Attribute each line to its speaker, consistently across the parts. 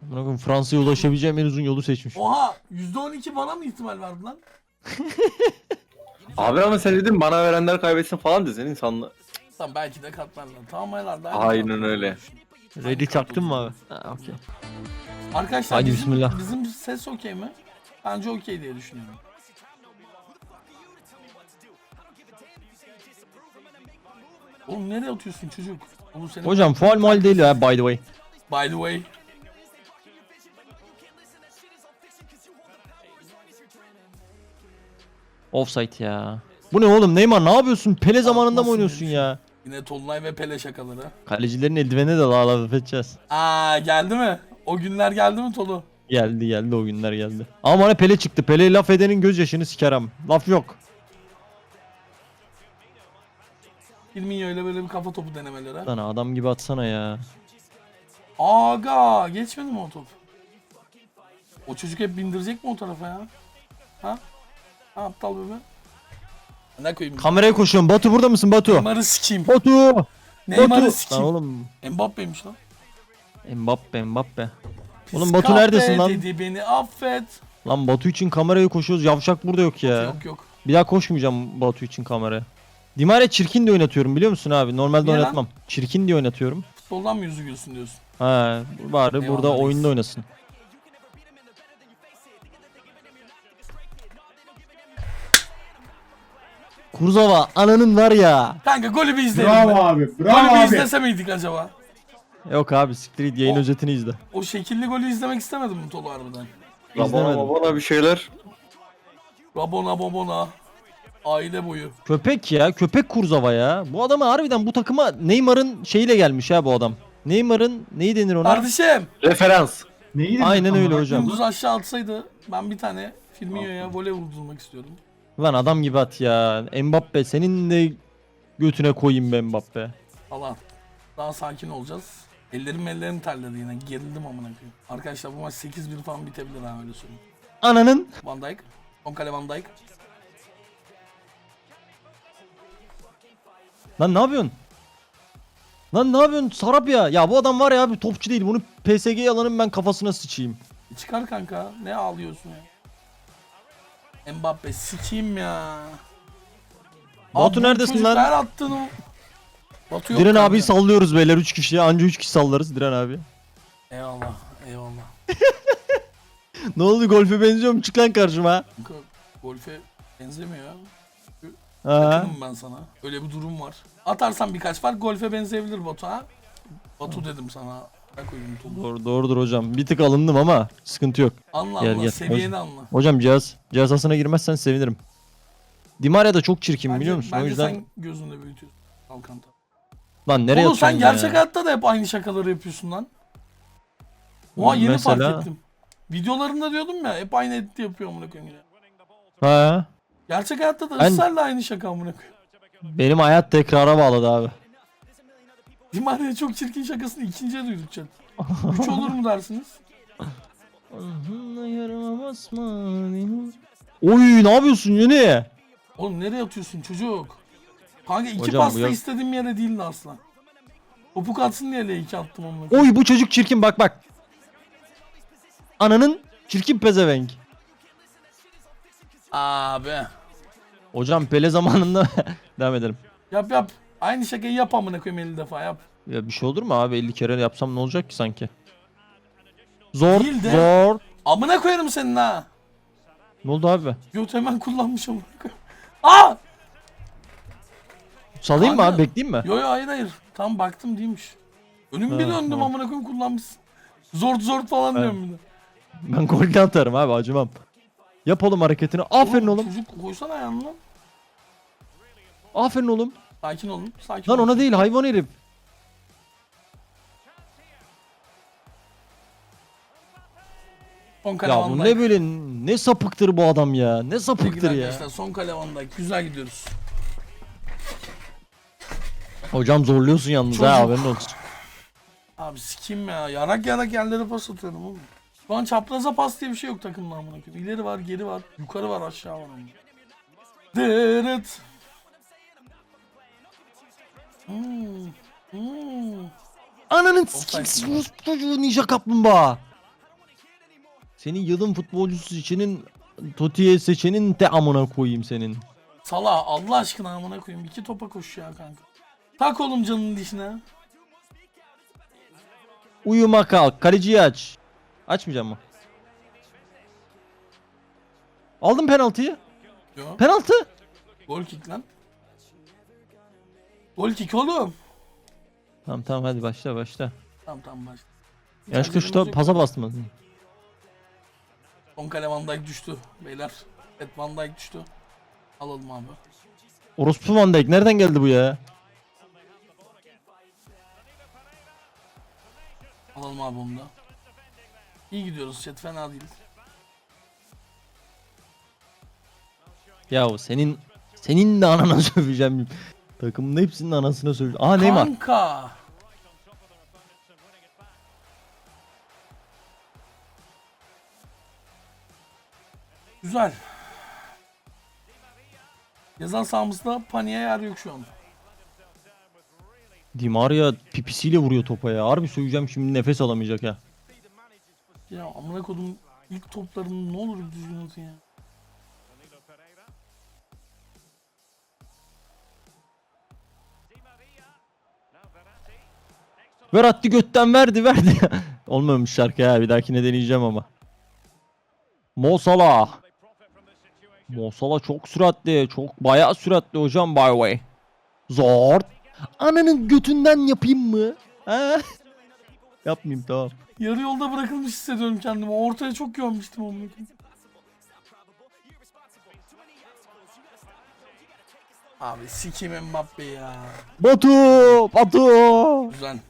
Speaker 1: Bakın Fransa'ya ulaşabileceğim en uzun yolu seçmiş.
Speaker 2: Oha %12 bana mı ihtimal verdi lan?
Speaker 3: Abi ama sen dedin bana verenler kaybetsin falan dedin insanlı.
Speaker 2: Tamam belki de katlarlar. Tamam herhalde.
Speaker 3: Aynen öyle.
Speaker 1: Ready çaktın mı abi? Ha, okey.
Speaker 2: Arkadaşlar
Speaker 1: Hadi
Speaker 2: bizim,
Speaker 1: bismillah.
Speaker 2: bizim ses okey mi? Bence okey diye düşünüyorum. Oğlum nereye atıyorsun çocuk? Oğlum senin
Speaker 1: Hocam faul mal değil ya by the way.
Speaker 2: by the way.
Speaker 1: Offside ya. Bu ne oğlum Neymar ne yapıyorsun? Pele zamanında mı
Speaker 2: Atmasın
Speaker 1: oynuyorsun
Speaker 2: demiş.
Speaker 1: ya?
Speaker 2: Yine Tolunay ve Pele şakaları.
Speaker 1: Kalecilerin eldivenine de laf edeceğiz.
Speaker 2: Aa geldi mi? O günler geldi mi Tolu?
Speaker 1: Geldi o günler geldi. Ama bana Pele çıktı. Pele laf edenin gözyaşını sikerem. Laf yok.
Speaker 2: Firmino öyle böyle bir kafa topu denemeleri.
Speaker 1: Lan adam gibi atsana ya.
Speaker 2: Aga geçmedi mi o top? O çocuk hep bindirecek mi o tarafa ya? Ha? Ha aptal bebe. Ne koyayım?
Speaker 1: Kameraya koşuyorum. Batu burada mısın Batu?
Speaker 2: Neymar'ı sikeyim.
Speaker 1: Batu!
Speaker 2: Neymar'ı
Speaker 1: Lan
Speaker 2: sikeyim.
Speaker 1: oğlum.
Speaker 2: Mbappe'ymiş lan.
Speaker 1: Mbappe.
Speaker 2: Pis
Speaker 1: Oğlum Batu
Speaker 2: kahpe
Speaker 1: neredesin lan?
Speaker 2: dedi beni affet.
Speaker 1: Lan Batu için kameraya koşuyoruz. Yavşak burada yok ya.
Speaker 2: Yok.
Speaker 1: Bir daha koşmayacağım Batu için kameraya. Dimare çirkin de oynatıyorum biliyor musun abi? Normalde
Speaker 2: Niye lan?
Speaker 1: oynatmam. Çirkin diye oynatıyorum.
Speaker 2: Futboldan mı yüzü gülsün diyorsun?
Speaker 1: Ha, bari
Speaker 2: Eyvallah
Speaker 1: burada
Speaker 2: reis.
Speaker 1: oyunda oynasın. Kurzava ananın var ya.
Speaker 2: Kanka golü bir izleyelim.
Speaker 4: Bravo
Speaker 2: be.
Speaker 4: abi.
Speaker 2: Golü
Speaker 4: Bravo
Speaker 2: bir
Speaker 4: abi.
Speaker 2: izlese miydik acaba?
Speaker 1: Yok abi siktir git yayın
Speaker 2: O-
Speaker 1: özetini izle.
Speaker 2: O şekilli golü izlemek istemedim mi Tolu harbiden?
Speaker 3: Rabona
Speaker 1: İzlemedim.
Speaker 3: babona bir şeyler.
Speaker 2: Rabona babona. Aile boyu.
Speaker 1: Köpek ya köpek Kurzava ya. Bu adamı harbiden bu takıma Neymar'ın şeyiyle gelmiş ha bu adam. Neymar'ın neyi denir ona?
Speaker 2: Kardeşim.
Speaker 3: Referans.
Speaker 4: Neyi
Speaker 1: Aynen
Speaker 4: dedin
Speaker 1: öyle
Speaker 4: ama?
Speaker 1: hocam.
Speaker 2: Dümdüz aşağı atsaydı ben bir tane Firmino'ya voley vurdurmak istiyordum.
Speaker 1: Lan adam gibi at ya. Mbappe senin de götüne koyayım be Mbappe.
Speaker 2: Allah. Daha sakin olacağız. Ellerim terledi yine. Gerildim amına koyayım. Arkadaşlar bu maç 8-1 falan bitebilir ha öyle söyleyeyim.
Speaker 1: Ananın.
Speaker 2: Van Dijk. Son kale Van Dijk.
Speaker 1: Lan ne yapıyorsun? Lan ne yapıyorsun Sarap ya? Ya bu adam var ya abi topçu değil. Bunu PSG'ye alanın ben kafasına sıçayım.
Speaker 2: Çıkar kanka. Ne ağlıyorsun ya? Mbappe sikeyim ya.
Speaker 1: Batu
Speaker 2: bu
Speaker 1: neredesin
Speaker 2: çocuk
Speaker 1: lan?
Speaker 2: Her attığını... Batu yok
Speaker 1: Diren
Speaker 2: kanka.
Speaker 1: abiyi sallıyoruz beyler 3 kişi. Anca 3 kişi sallarız Diren abi.
Speaker 2: Eyvallah.
Speaker 1: Ne oldu golfe benziyor mu? Çık lan karşıma.
Speaker 2: Kanka, golfe benzemiyor ya.
Speaker 1: Ha.
Speaker 2: Yakınım ben sana. Öyle bir durum var. Atarsan birkaç fark golfe benzeyebilir Batu ha. Batu dedim sana. Ben koydum Tolu.
Speaker 1: Doğrudur hocam. Bir tık alındım ama sıkıntı yok.
Speaker 2: Anla
Speaker 1: Gel,
Speaker 2: anla.
Speaker 1: gel.
Speaker 2: Seviyeni anla.
Speaker 1: Hocam cihazasına girmezsen sevinirim. Dimaria da çok çirkin biliyor musun? O
Speaker 2: Bence
Speaker 1: yüzden
Speaker 2: sen gözünde büyütüyorsun. Alkanta.
Speaker 1: lan nereye
Speaker 2: Oğlum sen
Speaker 1: atıyorsun
Speaker 2: gerçek
Speaker 1: ya?
Speaker 2: hayatta da hep aynı şakaları yapıyorsun lan. Oha yeni
Speaker 1: Mesela?
Speaker 2: fark ettim. Videolarında diyordum ya hep aynı edit yapıyor amına koyayım ya.
Speaker 1: Ha.
Speaker 2: Gerçek hayatta da
Speaker 1: Ben-
Speaker 2: ısrarla aynı şaka amına koyayım.
Speaker 1: Benim hayat tekrara bağladı abi.
Speaker 2: Dimari'ye çok çirkin şakasını ikinciye duyduk chat. 3 olur mu dersiniz?
Speaker 1: Oy ne yapıyorsun Yeni?
Speaker 2: Oğlum nereye atıyorsun çocuk? Kanka iki
Speaker 1: Hocam, bu
Speaker 2: pasta
Speaker 1: yok.
Speaker 2: istediğim yere değildi asla. Topuk atsın diye L2 attım amına koyayım.
Speaker 1: Oy bu çocuk çirkin bak. Ananın çirkin pezevenk.
Speaker 2: Abi.
Speaker 1: Hocam Pele zamanında devam edelim.
Speaker 2: Yap. Aynı şakayı yap amına koyayım 50 defa yap.
Speaker 1: Ya bir şey olur mu abi 50 kere yapsam ne olacak ki sanki? Zor
Speaker 2: Değil de-
Speaker 1: zor.
Speaker 2: Amına koyarım senin ha.
Speaker 1: Ne oldu abi?
Speaker 2: Göt hemen kullanmış amına koyayım. Aa!
Speaker 1: Salayım mı
Speaker 2: Kanka-
Speaker 1: abi bekleyeyim mi?
Speaker 2: Yo hayır. Tam baktım değilmiş. Önüm bir
Speaker 1: Ha,
Speaker 2: döndüm
Speaker 1: ha.
Speaker 2: amına koyayım kullanmışsın. Zor falan
Speaker 1: Ha.
Speaker 2: diyorum bir de.
Speaker 1: Ben golden atarım abi acımam. Yap oğlum hareketini. Aferin oğlum.
Speaker 2: Çocuk koysana ayağını lan.
Speaker 1: Aferin oğlum.
Speaker 2: Sakin olun. Sakin
Speaker 1: Lan
Speaker 2: olun.
Speaker 1: ona değil hayvan herif.
Speaker 2: Son kale
Speaker 1: Ya
Speaker 2: Van
Speaker 1: bu
Speaker 2: Dijk.
Speaker 1: ne böyle ne sapıktır bu adam ya. Ne
Speaker 2: Sevgili
Speaker 1: sapıktır ya.
Speaker 2: arkadaşlar son kale Van Dijk. Güzel gidiyoruz.
Speaker 1: Hocam zorluyorsun yalnız
Speaker 2: Çocuk.
Speaker 1: ha haberin olsun.
Speaker 2: Abi sikeyim ya. Yarak yerlere pas atıyorum oğlum. Şu an çapraza pas diye bir şey yok takımda amına koyayım. İleri var, geri var, yukarı var, aşağı var amına. Dırıt. Hmm.
Speaker 1: Ananın
Speaker 2: Offside.
Speaker 1: sikiksiz çocuğu ninja kaplumbağa. Senin yılın futbolcusu seçenin Toti'ye seçenin de amına koyayım senin.
Speaker 2: Sala Allah aşkına amına koyayım. 2 topa koş ya kanka. Tak oğlum canının dişine.
Speaker 1: Uyuma kalk. Kaleciyi aç. Açmayacağım mı? Aldım penaltıyı.
Speaker 2: Yo.
Speaker 1: Penaltı.
Speaker 2: Gol kick lan. Gol kick oğlum.
Speaker 1: Tamam tamam hadi başla.
Speaker 2: Tamam başla.
Speaker 1: Yanlışlıkla şuta pasa bastım.
Speaker 2: Son kale Van Dijk düştü beyler. Evet Van Dijk düştü. Alalım abi.
Speaker 1: Orospu Van Dijk nereden geldi bu ya?
Speaker 2: Alalım abi onu da. İyi gidiyoruz chat, fena değil.
Speaker 1: Ya senin de anana söveceğim. Takımın hepsinin anasına söveceğim. Aa Neymar.
Speaker 2: Kanka. Güzel. Yazan sahamızda paniğe yer yok şu an.
Speaker 1: Di Maria pipisiyle vuruyor topa ya. Harbi söyleyeceğim şimdi nefes alamayacak ya.
Speaker 2: Ya amına kodum ilk toplarını ne olur düzgün atın ya.
Speaker 1: Ver attı götten verdi. Olmamış şarkı ya, bir dahakine deneyeceğim ama. Mo Salah. Mo Salah çok süratli. Çok bayağı süratli hocam by the way. Zor. Ananın götünden yapayım mı? Ha? Yapmayayım tamam.
Speaker 2: Yarı yolda bırakılmış hissediyorum kendimi. Ortaya çok görmüştüm onu. Abi sikeyim Mbappe ya.
Speaker 1: Batu.
Speaker 2: Güzel.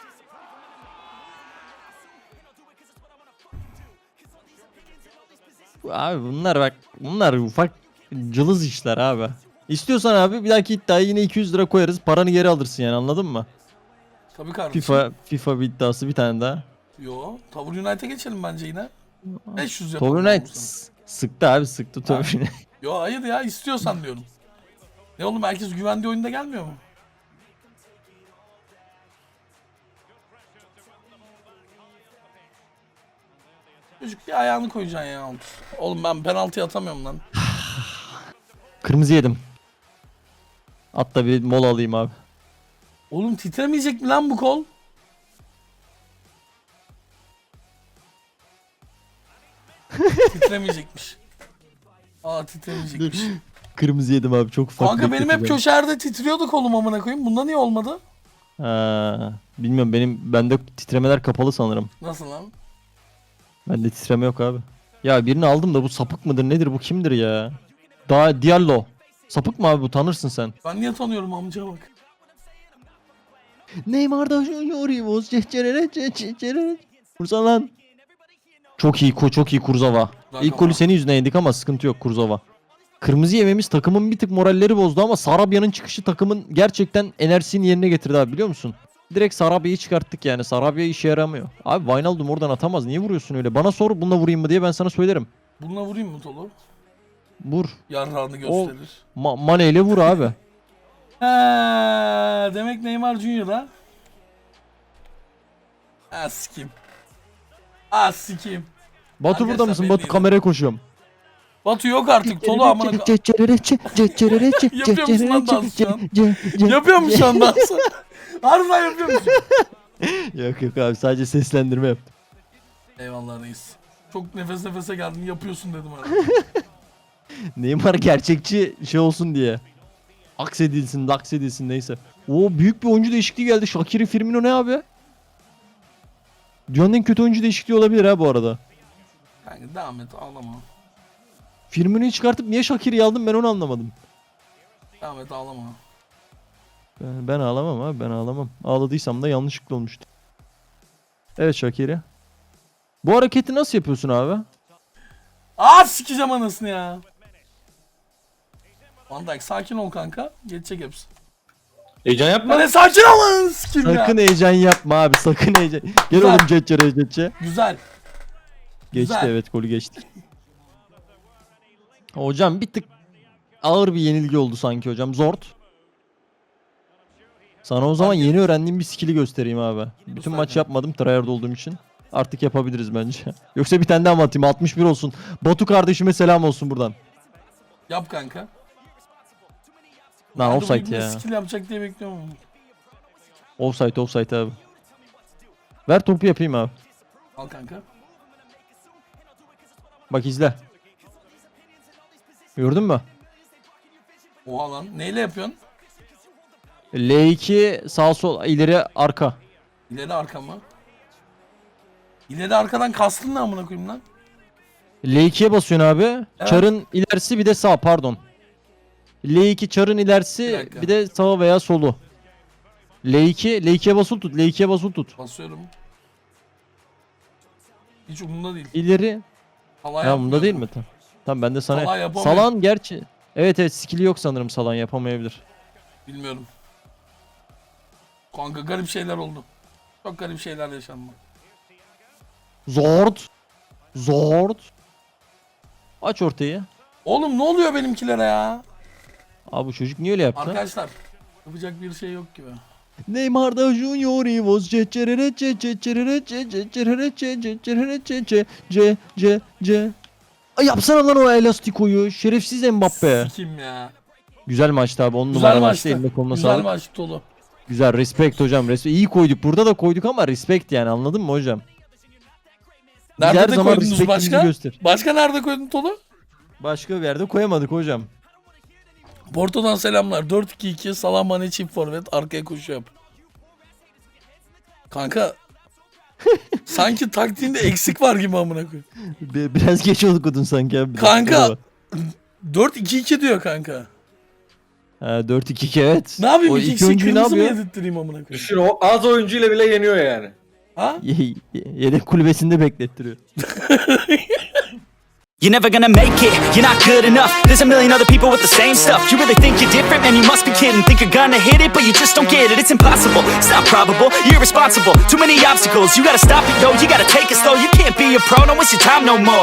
Speaker 1: Abi bunlar ufak cılız işler abi. İstiyorsan abi bir dahaki iddiaya yine 200 lira koyarız. Paranı geri alırsın yani, anladın mı?
Speaker 2: Tabii kardeşim.
Speaker 1: FIFA bir iddiası bir tane daha.
Speaker 2: Yo, Tavur United'a geçelim bence yine. 500 yapalım.
Speaker 1: Tobin Knight sıktı abi, sıktı Tobin Knight.
Speaker 2: Yo hayır ya, istiyorsan diyorum. Ne oğlum, herkes güvendiği oyunda gelmiyor mu? Çocuk bir ayağını koyacaksın ya. Oğlum ben penaltı atamıyorum lan.
Speaker 1: Kırmızı yedim. Hatta bir mola alayım abi.
Speaker 2: Oğlum titremeyecek mi lan bu kol? Titremeyecekmiş. Aa titremeyecekmiş.
Speaker 1: Kırmızı yedim abi, çok ufak.
Speaker 2: Kanka benim hep
Speaker 1: bekleteceğim.
Speaker 2: köşerde titriyordu kolum amına koyayım. Bunda niye olmadı?
Speaker 1: Ha, bilmiyorum, bende titremeler kapalı sanırım.
Speaker 2: Nasıl lan?
Speaker 1: Bende titreme yok abi. Ya birini aldım da bu sapık mıdır nedir, bu kimdir ya? Daha Diallo. Sapık mı abi bu, tanırsın sen.
Speaker 2: Ben niye tanıyorum amca bak.
Speaker 1: Neymar'da yoruyoruz. Kursa lan. Çok iyi çok iyi Kurzawa. İlk golü senin yüzünden yedik ama sıkıntı yok Kurzawa. Kırmızı yememiz takımın bir tık moralleri bozdu ama Sarabya'nın çıkışı takımın gerçekten enerjisini yerine getirdi abi, biliyor musun? Direkt Sarabya'yı çıkarttık yani. Sarabya işe yaramıyor. Abi Wijnaldum oradan atamaz. Niye vuruyorsun öyle? Bana sor bununla vurayım mı diye, ben sana söylerim.
Speaker 2: Bununla vurayım mı Tolu?
Speaker 1: Vur.
Speaker 2: Yarrağını gösterir.
Speaker 1: Mane ile vur abi.
Speaker 2: Demek Neymar Junior ha? Sikim. Sikim.
Speaker 1: Batu
Speaker 2: Arkadaşlar
Speaker 1: burada mısın?
Speaker 2: belli
Speaker 1: Batu
Speaker 2: değil.
Speaker 1: kameraya koşuyorum.
Speaker 2: Batu yok artık Tolu amına Yapıyor musun lan dans şu an? Yapıyor musun şu an dansı? Harbiden yapıyor musun?
Speaker 1: Yok abi, sadece seslendirme yaptım.
Speaker 2: Eyvallah reis. Çok nefes nefese geldin, yapıyorsun dedim abi.
Speaker 1: Neymar gerçekçi şey olsun diye. Aksedilsin neyse. Oo, büyük bir oyuncu değişikliği geldi. Shaqiri Firmino ne abi? Dünyanın en kötü oyuncu değişikliği olabilir ha bu arada.
Speaker 2: Kanka devam et, ağlama.
Speaker 1: Firmino'yu çıkartıp niye Shaqiri'yi aldım, ben onu anlamadım.
Speaker 2: Devam et, ağlama.
Speaker 1: Ben ağlamam abi, ben ağlamam. Ağladıysam da yanlışlıkla olmuştu. Evet Shaqiri. Bu hareketi nasıl yapıyorsun abi?
Speaker 2: Sikeceğim anasını ya. Van Dijk sakin ol kanka. Geçecek hepsi.
Speaker 3: Heyecan yapma.
Speaker 2: Lan sakin ol lan sikim ya.
Speaker 1: Sakın heyecan yapma abi, sakın heyecan. Gel
Speaker 2: Güzel.
Speaker 1: oğlum Cetçe.
Speaker 2: Güzel.
Speaker 1: Geçti
Speaker 2: Güzel.
Speaker 1: evet, golü geçtik. Hocam bir tık ağır bir yenilgi oldu sanki hocam. Zort. Sana o zaman yeni öğrendiğim bir skill'i göstereyim abi. Bütün
Speaker 2: Göster
Speaker 1: maç
Speaker 2: kanka.
Speaker 1: yapmadım tryhard olduğum için. Artık yapabiliriz bence. Yoksa bir tane daha mı atayım? 61 olsun. Batu kardeşime selam olsun buradan.
Speaker 2: Yap kanka.
Speaker 1: Lan
Speaker 2: Ben de bu
Speaker 1: offside
Speaker 2: ibne
Speaker 1: ya.
Speaker 2: skill yapacak diye bekliyorum ama.
Speaker 1: Offside abi. Ver topu yapayım abi.
Speaker 2: Al kanka.
Speaker 1: Bak izle. Gördün mü?
Speaker 2: Oha lan. Neyle yapıyorsun?
Speaker 1: L2 sağ sol ileri arka.
Speaker 2: İleri arka mı? İleri arkadan kastın ne amına koyayım lan?
Speaker 1: L2'ye basıyorsun abi.
Speaker 2: Evet.
Speaker 1: Çarın ilerisi bir de sağ pardon. L2 çarın
Speaker 2: Bir
Speaker 1: ilerisi
Speaker 2: dakika.
Speaker 1: bir de sağ veya solu. L2'ye basılı tut. L2'ye basılı tut.
Speaker 2: Basıyorum. Hiç umurumda değil.
Speaker 1: İleri.
Speaker 2: Halay
Speaker 1: Ya bunda
Speaker 2: yapmıyorum.
Speaker 1: değil mi? Tamam. Tamam ben de
Speaker 2: Salah
Speaker 1: sana.
Speaker 2: yapamıyor.
Speaker 1: Salan gerçi. Evet skill'i yok sanırım Salan yapamayabilir.
Speaker 2: Bilmiyorum. Kanka garip şeyler oldu. Çok garip şeyler yaşandı.
Speaker 1: Zord. Zord. Aç ortayı.
Speaker 2: Oğlum ne oluyor benimkilere ya?
Speaker 1: Abi bu çocuk niye öyle yaptı?
Speaker 2: Arkadaşlar yapacak bir şey yok gibi.
Speaker 1: Neymar da Junior Ivos C Ay yapsana lan o elastikoyu. Şerefsiz Mbappe.
Speaker 2: Sikim ya.
Speaker 1: Güzel maçtı abi. 10
Speaker 2: Güzel
Speaker 1: numara
Speaker 2: maçtı.
Speaker 1: maçtı. Eline koluna
Speaker 2: Güzel
Speaker 1: sağlık.
Speaker 2: maç dolu.
Speaker 1: Güzel respect hocam. Respect. İyi koyduk. Burada da koyduk ama respect yani anladın mı hocam? Biz her
Speaker 2: Nerede de
Speaker 1: zaman
Speaker 2: koydunuz
Speaker 1: respectimizi
Speaker 2: başka?
Speaker 1: göster.
Speaker 2: Başka nerede koydun Tolu?
Speaker 1: Başka bir yerde koyamadık hocam.
Speaker 2: Porto'dan selamlar. 4-2-2 Salah Mane çift forvet arkaya koşu yap. Kanka sanki taktiğinde eksik var gibi amına koyayım.
Speaker 1: Biraz geç okudun sanki abi.
Speaker 2: Kanka 4-2-2 diyor kanka.
Speaker 1: Ha, 4-2-2 evet.
Speaker 2: Ne yapayım
Speaker 1: O
Speaker 2: iki
Speaker 1: iki
Speaker 2: kişi
Speaker 1: oyuncuyu ne
Speaker 2: kırmızı mı
Speaker 1: yapıyor?
Speaker 2: yedirttireyim amına koyayım?
Speaker 3: Düşün o az oyuncuyla bile yeniyor yani.
Speaker 2: Ha?
Speaker 1: Yedek kulübesinde beklettiriyor.
Speaker 4: You're never gonna make it, you're not good enough. There's a million other people with the same stuff. You really think you're different, man, you must be kidding. Think you're gonna hit it, but you just don't get it. It's impossible, it's not probable, you're irresponsible. Too many obstacles, you gotta stop it, yo. You gotta take it slow, you can't be a pro, don't waste your time no more.